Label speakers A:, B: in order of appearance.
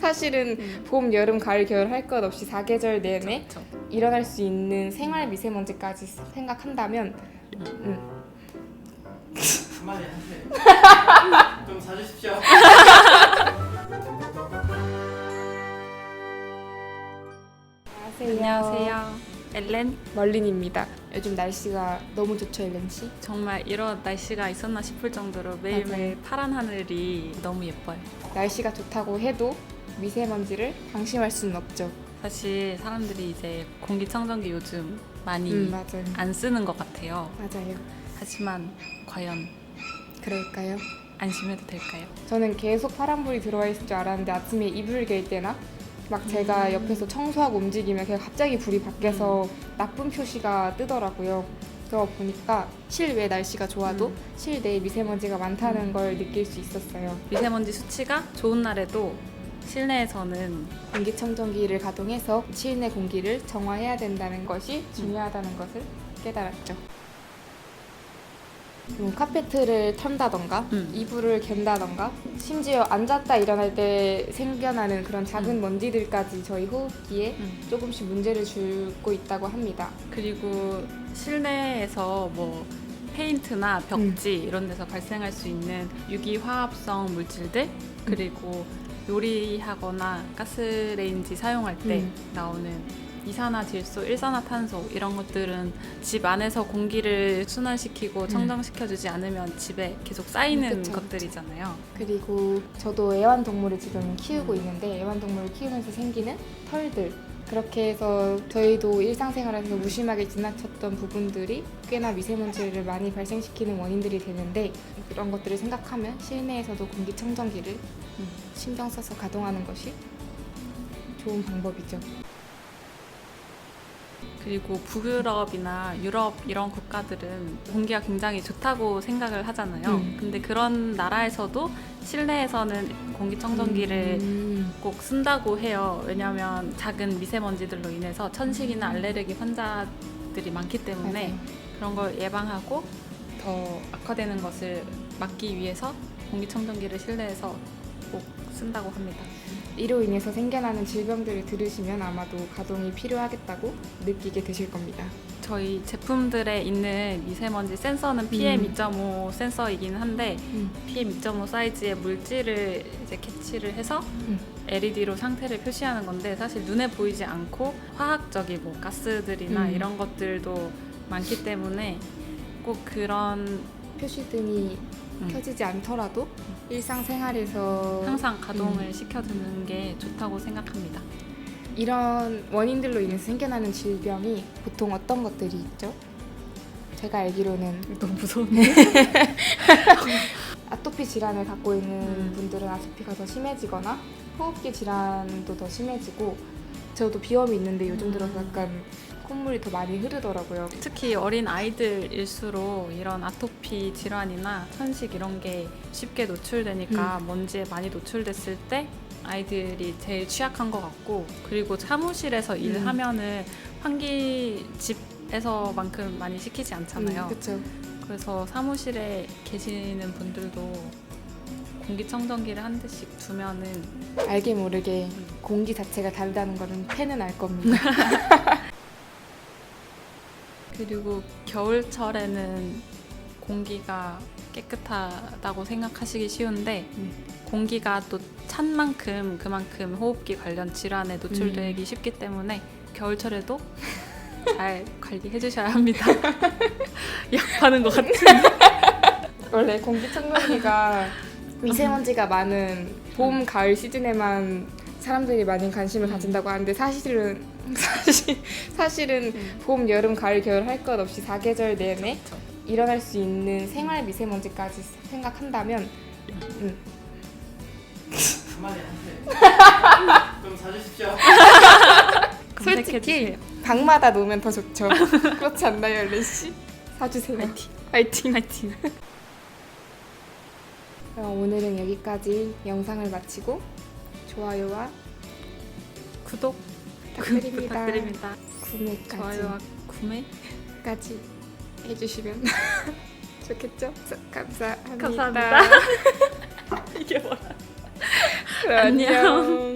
A: 사실은 봄, 여름, 가을, 겨울 할 것 없이 사계절 내내
B: 그쵸.
A: 일어날 수 있는 생활 미세먼지까지 생각한다면
C: 한마디 하세요. 좀 사주십시오.
B: 안녕하세요. 엘렌.
A: 멀린입니다. 요즘 날씨가 너무 좋죠, 엘렌 씨?
B: 정말 이런 날씨가 있었나 싶을 정도로 매일매일 파란 하늘이 너무 예뻐요.
A: 날씨가 좋다고 해도 미세먼지를 방심할 수는 없죠.
B: 사실 사람들이 이제 공기청정기 요즘 많이
A: 맞아요.
B: 안 쓰는 것 같아요.
A: 맞아요.
B: 하지만 과연
A: 그럴까요?
B: 안심해도 될까요?
A: 저는 계속 파란불이 들어와 있을 줄 알았는데 아침에 이불 갤 때나 막 제가 옆에서 청소하고 움직이면 그냥 갑자기 불이 밖에서 나쁜 표시가 뜨더라고요. 그러고 보니까 실외 날씨가 좋아도 실내에 미세먼지가 많다는 걸 느낄 수 있었어요.
B: 미세먼지 수치가 좋은 날에도 실내에서는
A: 공기청정기를 가동해서 실내 공기를 정화해야 된다는 것이 중요하다는 것을 깨달았죠. 카페트를 턴다던가 이불을 갠다던가 심지어 앉았다 일어날 때 생겨나는 그런 작은 먼지들까지 저희 호흡기에 조금씩 문제를 주고 있다고 합니다.
B: 그리고 실내에서 뭐 페인트나 벽지 이런 데서 발생할 수 있는 유기화합성 물질들 그리고 요리하거나 가스레인지 사용할 때 나오는 이산화질소, 일산화탄소 이런 것들은 집 안에서 공기를 순환시키고 청정시켜주지 않으면 집에 계속 쌓이는
A: 그쵸,
B: 것들이잖아요.
A: 그리고 저도 애완동물을 지금 키우고 있는데 애완동물을 키우면서 생기는 털들 그렇게 해서 저희도 일상생활에서 무심하게 지나쳤던 부분들이 꽤나 미세먼지를 많이 발생시키는 원인들이 되는데 그런 것들을 생각하면 실내에서도 공기청정기를 신경 써서 가동하는 것이 좋은 방법이죠.
B: 그리고 북유럽이나 유럽 이런 국가들은 공기가 굉장히 좋다고 생각을 하잖아요. 근데 그런 나라에서도 실내에서는 공기청정기를 꼭 쓴다고 해요. 왜냐하면 작은 미세먼지들로 인해서 천식이나 알레르기 환자들이 많기 때문에
A: 맞아요.
B: 그런 걸 예방하고 더 악화되는 것을 막기 위해서 공기청정기를 실내에서 꼭 쓴다고 합니다.
A: 이로 인해서 생겨나는 질병들을 들으시면 아마도 가동이 필요하겠다고 느끼게 되실 겁니다.
B: 저희 제품들에 있는 미세먼지 센서는 PM2.5 센서이긴 한데 PM2.5 사이즈의 물질을 이제 캐치를 해서 LED로 상태를 표시하는 건데 사실 눈에 보이지 않고 화학적인 뭐 가스들이나 이런 것들도 많기 때문에 꼭 그런
A: 표시등이 켜지지 않더라도 일상생활에서
B: 항상 가동을 시켜두는 게 좋다고 생각합니다.
A: 이런 원인들로 인해서 생겨나는 질병이 보통 어떤 것들이 있죠? 제가 알기로는
B: 너무 무서운데?
A: 아토피 질환을 갖고 있는 분들은 아토피가 더 심해지거나 호흡기 질환도 더 심해지고 저도 비염이 있는데 요즘 들어서 약간 콧물이 더 많이 흐르더라고요.
B: 특히 어린 아이들일수록 이런 아토피 질환이나 천식 이런 게 쉽게 노출되니까 먼지에 많이 노출됐을 때 아이들이 제일 취약한 것 같고 그리고 사무실에서 일하면은 환기 집에서만큼 많이 시키지 않잖아요.
A: 그렇죠.
B: 그래서 사무실에 계시는 분들도 공기청정기를 한 대씩 두면은
A: 알게 모르게 공기 자체가 다르다는 거는 팬은 알 겁니다.
B: 그리고 겨울철에는 공기가 깨끗하다고 생각하시기 쉬운데 공기가 또 찬 만큼 그만큼 호흡기 관련 질환에 노출되기 쉽기 때문에 겨울철에도 잘 관리해 주셔야 합니다. 약하는 것 같은데.
A: 원래 공기청정기가 미세먼지가 많은 봄, 가을 시즌에만 사람들이 많이 관심을 가진다고 하는데 사실은 봄, 여름, 가을, 겨울 할 것 없이 사계절 내내 일어날 수 있는 생활 미세먼지까지 생각한다면
C: 한마디 하세요. 좀 사주십시오.
A: 솔직히 방마다 놓으면 더 좋죠. 그렇지 않나요, 엘렌 씨? 사주세요. 화이팅.
B: 화이팅.
A: 그럼 오늘은 여기까지 영상을 마치고 좋아요와
B: 구독 부탁드립니다.
A: 구매까지
B: 좋아요와 구매
A: 해주시면 좋겠죠? 감사합니다.
B: 감사합니다. 이게 뭐야?
A: 안녕.